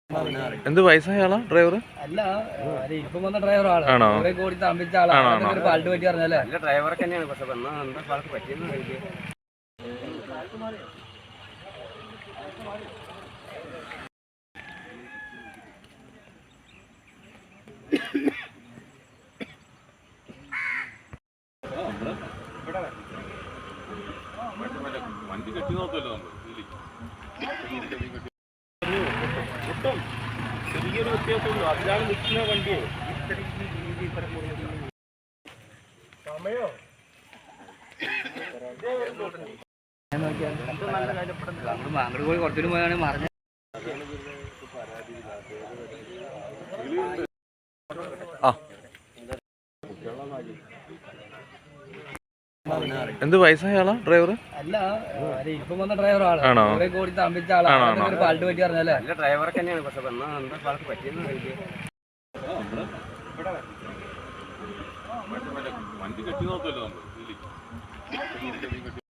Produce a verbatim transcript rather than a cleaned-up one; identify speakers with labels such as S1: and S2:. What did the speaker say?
S1: എന്ത് വയസ്സായാളാ ഡ്രൈവർ?
S2: അല്ല, ഇപ്പം വന്ന ഡ്രൈവറാണ്.
S1: ആണോ?
S2: കൂടി തമ്പിച്ച ആളാണ്. പാട്ട് പറ്റി പറഞ്ഞല്ലേ
S3: ഡ്രൈവർക്ക് തന്നെയാണ്. പക്ഷെ എന്താ പാൾക്ക് പറ്റിയെന്ന് എനിക്ക്
S4: വണ്ടി കെട്ടി നോക്കുമല്ലോ ഒട്ടും ചെറിയൊരു വ്യത്യാസമുള്ളൂ. അതിലാണ് നിൽക്കുന്ന വണ്ടിയെ സമയോ
S2: അങ്ങോട്ട് പോയി കുറച്ചുകൂടി പോയാണ് മറിഞ്ഞ
S1: എന്ത് വയസ്സായാളാ ഡ്രൈവർ?
S2: അല്ല, ഇപ്പം വന്ന ഡ്രൈവറാണ്.
S1: ആണോ?
S2: കൂടി തമ്പിച്ച ആളാണ്. പാട്ട് പറ്റി പറഞ്ഞല്ലേ
S3: ഡ്രൈവർക്ക് തന്നെയാണ്. പക്ഷെ എന്താ പാൾക്ക് പറ്റിയെന്ന് എനിക്ക്
S4: വണ്ടി കെട്ടി നോക്കുമല്ലോ നമ്മൾ